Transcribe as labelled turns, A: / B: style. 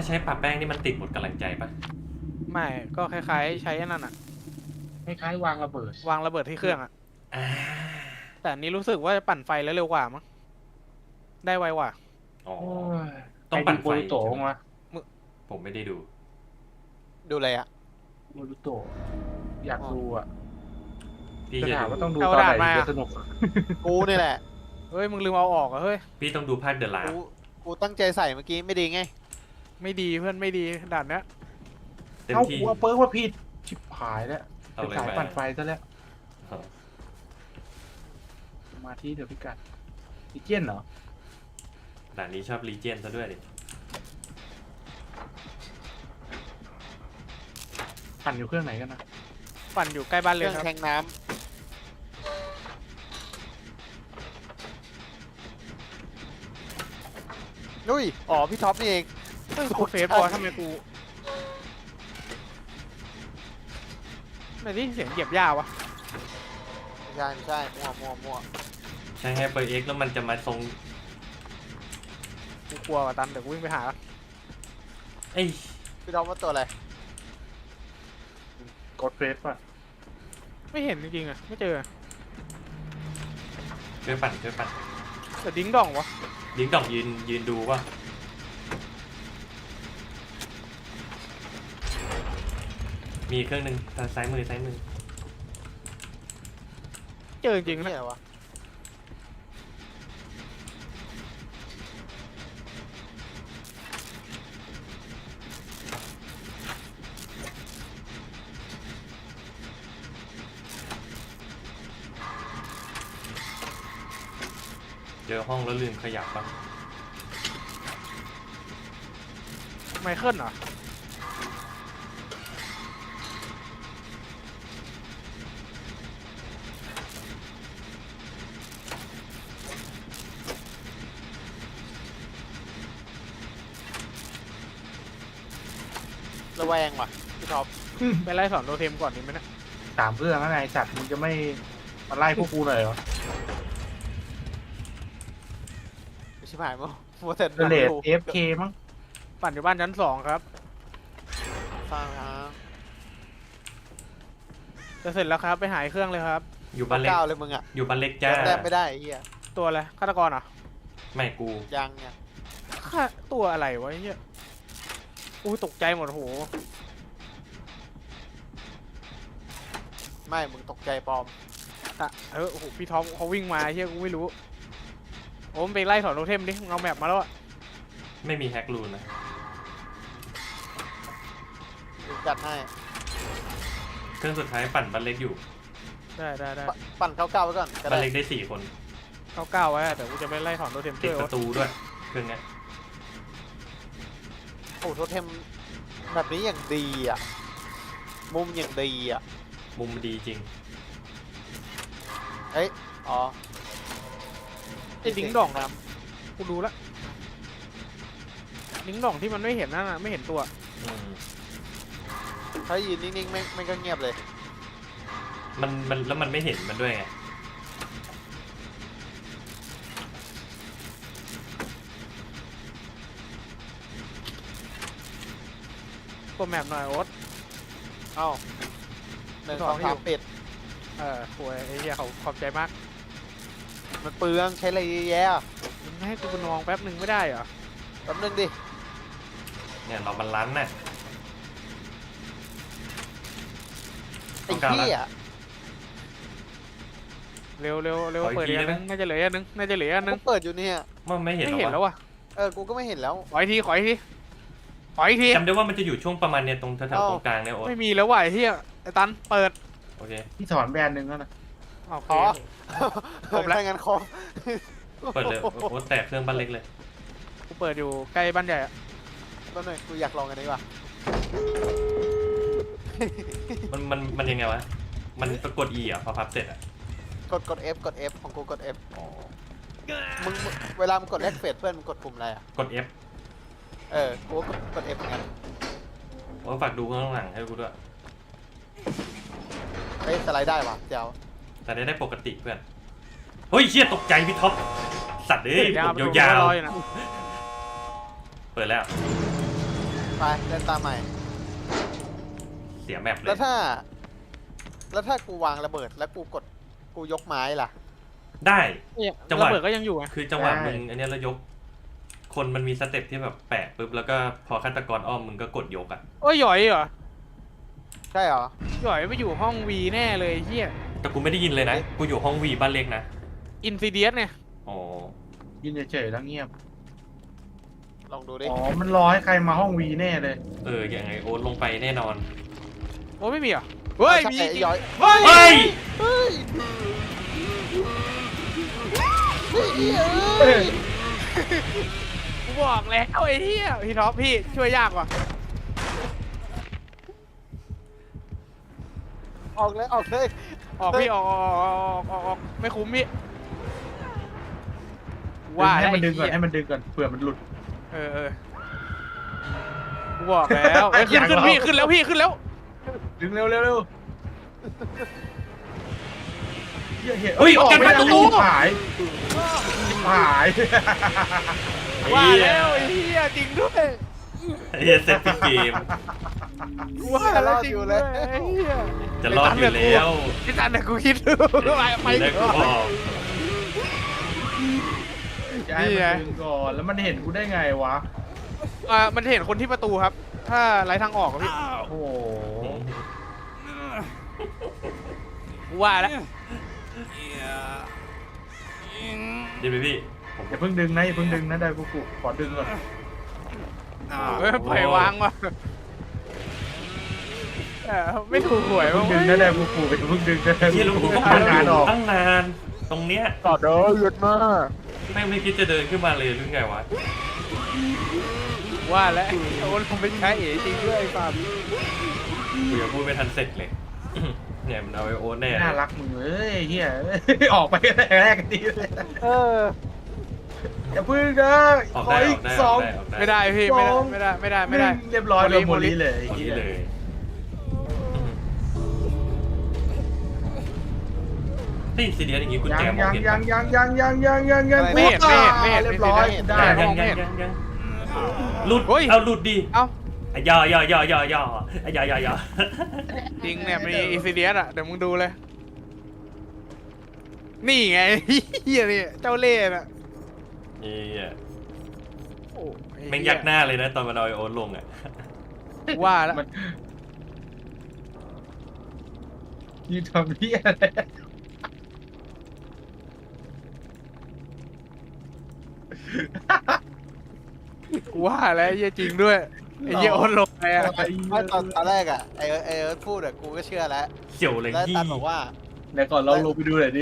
A: าใช้ปะแป้งนี่มันติดหมดกำลังใจปะ
B: ไม่ก็คล้ายๆใช้นั่นอะ
C: คล้ายๆวางระเบิด
B: วางระเบิดที่เครื่องอะ
A: อ่า
B: แต่อันนี้รู้สึกว่าจะปั่นไฟแล้วเร็วกว่ามั้งได้ไวกว่า
A: อ๋อ
C: โอ้ย
A: ต้องปั่นไฟ
C: โบรูโตะมา
A: ผมไม่ได้ดู
D: ดูอะไรอ่ะ
C: โบรูโตะอยากดูอ่ะ
A: พี่
C: จะ
A: จะ
C: ถามว่าต้
A: ดู
C: องดูตอนไหนถึงจะสนุก
D: กูนี่แหละ
B: เฮ้ยมึงลืมเอาออกอะเฮ้ย
A: พี่ต้องดูภาคเดอะลา
D: กูตั้งใจใส่เมื่อกี้ไม่ดีไง
B: ไม่ดีเพื่อนไม่ดีด่านเนี้ย
A: เต็ม
C: เอ้า
A: ที่
C: กูเอาเปิร์กว่าผิดชิบหายแล้ว
A: เอา
C: เป็น
A: เลย
C: สาย
A: ไป
C: ปั่นไฟซะแล้ว
A: อ๋อ
C: มาที่เดี๋ยวพิกัดดิเจียนเหรอ
A: ด่านนี้ชอบรีเจนซะด้วยดิ
C: ปั่นอยู่เครื่องไหนกันนะ
B: ปั่นอยู่ใกล้บ้าน
D: เค
B: เลย
D: รื่อง
B: ครับ
D: แทงน้ำนุ้ยอ๋อพี่ท็อปนี่เอง
B: เฮ้ยกูเฟซบอลทำไมกูไหนที่เสียงเหยียบหญ้าวะ
D: ไม่ใช่มั่ว
A: ใช้ให้เปิดเอ็กแล้วมันจะมาทรง
B: กูกลัวว่ะตันเดี๋ยวกูวิ่งไปหา
A: เอ้ย
D: พี่ท็อปว่าตัวอะไร
C: กดเฟสป่ะ
B: ไม่เห็นจริงๆอะไม่เจอ
A: ช่วยปั่นช่วยปั่น
B: แต่ดิ้งดองวะ
A: ดิ้งดองยืนดูว่ามีเครื่องหนึ่งทางซ้ายมือ
B: เจอจริงๆ
D: นี่
B: นะ
D: อะไรวะ
A: เจอห้องแล้วลืมขยับปะ
B: ไมเคิลเหรอ
D: ระแวงว่ะพี่ท็อป
B: ไปไล่สอนโทเทมก่อนดีไหมเนะ
C: สามเครื่องแล้วไงจัดมึงจะไม่มาไล่พวกกูหน่อยเหรอ
D: ไม่ใช่หายมั้งมัวแต่
C: เดเลด AFK มั้ง
B: ปั่นอยู่บ้านชั้น2ครับ
D: ฟังฮะ
B: จะเสร็จแล้วครับไปหาเครื่องเลยครับ
A: อยู่บ้านเล็ก
D: ก้าวเลยมึงอ่ะ
A: อยู่บ้านเล็กจ้า
D: แต้มไม่ได้ไอ้เฮีย
B: ตัวอะไรฆาตกรเหรอ
A: ไม่กู
D: ยังเนี่ย
B: ฆ่าตัวอะไรวะไอ้เหี้ยอู้ตกใจหมดโห
D: ไม่มึงตกใจปลอม
B: อ่ะโอ้โหพี่ท็อปเขาวิ่งมาไอ้เหี้ยกูไม่รู้โอ้มงไปไล่ถอนโทเทมดิมึงเอาแมปมาแล้วอะ
A: ไม่มีแฮกรูนนะ
D: กูจัดให้
A: เครื่องสุดท้ายปั่นบ้านเล็กอยู่
B: ได้
D: ปั่นเก้าไว้ก่อนก็
A: บ้าน
D: ได้
A: เล็กได้4 คน
B: เก้าไว้อะแต่กูจะไปไล่ถอนโทเทม
A: ติ
B: ช่
A: ด
B: วย
A: ป
B: โอ๊ต
A: ระตูด้วยเครื่องเนี้ย
D: โอ้โทเทมแบบนี้อย่างดีอ่ะ มุมอย่างดีอ่ะ
A: มุมดีจริง
D: เฮ้ย อ๋อ
B: ไอ้ดิ้งดองนะกูดูละดิ้งดองที่มันไม่เห็นนั่นน่ะไม่เห็นตัว
A: อืม
D: ถ้ายืนนิ่งๆไม่ก็เงียบเลย
A: มันแล้วมันไม่เห็นมันด้วยไง
B: ตัวแมปหน่อยโอ๊ต
D: เอ้าหนึ่ง
B: ส
D: ส
B: อ
D: อง ง
B: ที่
D: สามปิด
B: ป่วยไอ้เหี้ยเขาขอบใจมาก
D: มันเปลืองใช้อะไรเยอะแยะ
B: มึงให้กูไปนองแป๊บหนึ่งไม่ได้เหรอ
D: แป๊บนึงดิ
A: เนี่ยเรามันลันน่ะ
D: ไอ้
A: ต้องการ
D: เหี้ย
B: เร็ว
A: ขออีก
B: เปิด
A: ที
B: อีกอัน
A: ได้
B: นึ
A: ไหม
B: งน่าจะเหลืออันนึงน่าจะเหลืออันนึ
D: กู
B: ง
D: เปิดอยู่เนี่ย
A: มันไม่เห็น
B: ไม่
A: หรอ
B: เห็นแล้ว
A: วะ
B: วะ
D: กูก็ไม่เห็นแล้ว
B: ขออีกทีขออีกทีขออีกที
A: จำได้ว่ามันจะอยู่ช่วงประมาณเนี่ยตรงแถวๆตรงกลางเนี่ยโอ๊ต
B: ไม่มีแล้วว่ะไอ้เหี้ยไอ้ตันเปิด
A: โอเค
C: ที่สอนแบรนด์หนึ่งแล้วนะ
B: โอเค
D: อ๋อ
B: ครบแล้ว
D: ถ้างั้นครบ
A: เปิดเลยโอ๊ตแตกเครื่องบ้านเล็กเลย
B: กูเปิดอยู่ใกล้บ้านใหญ่อะ
D: แป๊บนึงกูอยากลองอันนี้ว่ะ
A: มันยังไงวะมันกด E อ่ะพอพับเสร็จอ่ะ
D: กด F ของกูกด F
A: อ๋อ
D: มึงเวลามึงกดแลกเฟสเพื่อนมึงกดปุ่มอะไรอ่ะ
A: กด F
D: กูก็กด F เหมือนกัน
A: โอ๊ตฝากดูข้างหลังให้กูด้วย
D: เฮ้ยสไลด์ได้ว่ะเจ้า
A: แต่ได้ปกติเพื่อนเฮ้ยเชี่ยตกใจพี่ท็อปสัตว์เอ้ยผมยาว
B: ๆนะ
A: ๆเปิดแล้ว
D: ไปเดินตามใหม่
A: เสียแมปเล
D: แล้ว
A: ย
D: ถ้ากูวางระเบิดแล้วกูยกไม้ล่ะ
A: ได้
B: เนี่ย
A: จังหวะ
B: ระเบิดก็ยังอยู่ไง
A: คือจังหวะมึงอันเนี้ยแล้วยก คนมันมีสเต็ปที่แบบแปะปุ๊บแล้วก็พอฆาตกรอ้อมมึงก็กดยกอ่ะ
B: โอ้ยหยอยเหรอ
D: ใช่เหรอ
B: หยอยไปอยู่ห้องวีแน่เลยเฮีย
A: แต่กูไม่ได้ยินเลยนะ กูอยู่ห้องวีบ้านเล็กนะ
B: อินซิเดียสเนี่ย
A: อ๋อ
C: ยินเฉยๆแล้วเงียบ
D: ลองดูดิ
C: อ๋อมันรอให้ใครมาห้องวีแน่เลย
A: ยังไงโอ๊ตลงไปแน่นอน
B: โอ้ไม่มีเหรอเฮ้ย
D: ใช่
B: มี
D: ไอ้ย้อย
B: เฮ้ย
A: เฮ้ย
D: เฮ้ยเฮ้ย
B: กูบอกแล้วไอ้เฮียพี่ท็อปพี่ช่วยยากว่ะ
D: ออกเลยออกเลย
B: ออกพี่ออกไม่คุ้มพี่
C: ให้มันดึงก่อน
B: ไอ้
C: ให้
B: เหี้ย
C: มันดึงก่อนเผื่อมันหลุด
B: เออกูบอกแล้วเอ้ยขึ้น
C: อย่าง
B: พี่
C: เรา
B: ขึ้นแล้วพี่ขึ้นแล้ว
C: ดึงเร็วเร็วเร็วเหี้ย
A: เฮ้ย
C: ออก
A: กัน
C: ไม่
A: ประ
C: ได้
A: ตู
C: หายหาย
B: ว่าแล้วไอ้เหี้ยจริงด้วย
A: ไอ้เหี้ยเซตปิดเกม
B: ว่าแล้วจริงด้วยไอ้เหี้ย
A: จะรอดอยู่แล้ว
B: พี่ตันเนี่ยกูคิดดูไป
A: แล้วกูบอก
C: จะให้มันดึงก่อนแล้วมันเห็นกูได้ไงวะ
B: มันเห็นคนที่ประตูครับ ถ้าไร้ทางออกอะพี่
C: โอ้โห
B: ว่าแล้ว
A: ดีไหมพี่
C: อย่าเพิ่งดึงนะอย่าเพิ่งดึงนะได้กูขอดึงก่อน
B: เฮ้ยปล่อยวางว่ะไม่ถูกหวย
C: เพิ่
B: ว่ะ
C: งดึงนะได้กูอย่าเพิ่งดึงนะได้
A: เฮียลูกกู
C: กู
A: ก็
C: ทำงานออก
A: ตั้งนาน ตรงเนี้ย
D: ต่อเด้อหยุดมาก
A: แม่งไม่คิดจะเดินขึ้นมาเลยหรือไงวะ
B: ว่าแล้วโอ้ลงไปใช้เอ๋จริงด้วยไอ้ฟาร์ม
A: กูยังพูดไม่ทันเสร็จเลย เนี่ยมันเอาไอโอ๊ตแน่เลย
C: น่ารักมึงเอ้ยเฮียออกไปแรกกันดีเลย
D: เออ
C: อย่าพึ่งนะ
A: ออก
C: ขอ
A: ได้อ
C: อี
A: อก กได้
C: ส
A: อ
C: อ
A: อง กได้ออกได้
B: ไม่ได้พี่ไม่ได้
C: เรียบร้อยเลยโมลีเลย
A: คนนี้เลยนี่ซีเดียสอย่างงี้กุญ
C: ยั
A: แจ
C: ง
A: มอง
C: ยัง
A: เห็น
C: ยัง
A: ปะ
C: ยังเรียบร้อยได้
A: ยังหลุด
B: เฮ้ย
A: เอาหลุดดิ
B: เอ้า
A: อ่ะย่อย่อย่อย่อย่ออ่ะย่อย่อย่อ
B: จริงเนี่ยมีอินซิเดียสอ่ะเดี๋ยวมึงดูเลย นี่ไงเฮียนี่เจ้าเล่ห์น่ะ
A: นี่อ่ะ
B: โอ้ไอ้เหี้
A: แม่งยักหน้าเลยนะตอนมันเอาไอโอ๊ตลงอ่ะ
B: ว่าแล้ว
C: ยืนทำเพี้ยอะไร
B: ว่าแล้วเฮียจริงด้วยไอ้เฮียโอนลงไปอ่ะ
D: ไม่ตอนแรกอ่ะไอ้เอิร์ธพูดอ่ะกูก็เชื่อแล้ว
A: เสี่ยวเลย
D: แล้ว
A: ยี่
D: ตันบอกว่า
C: เดี๋ยวก่อนเราลงไปดูหน่อยดิ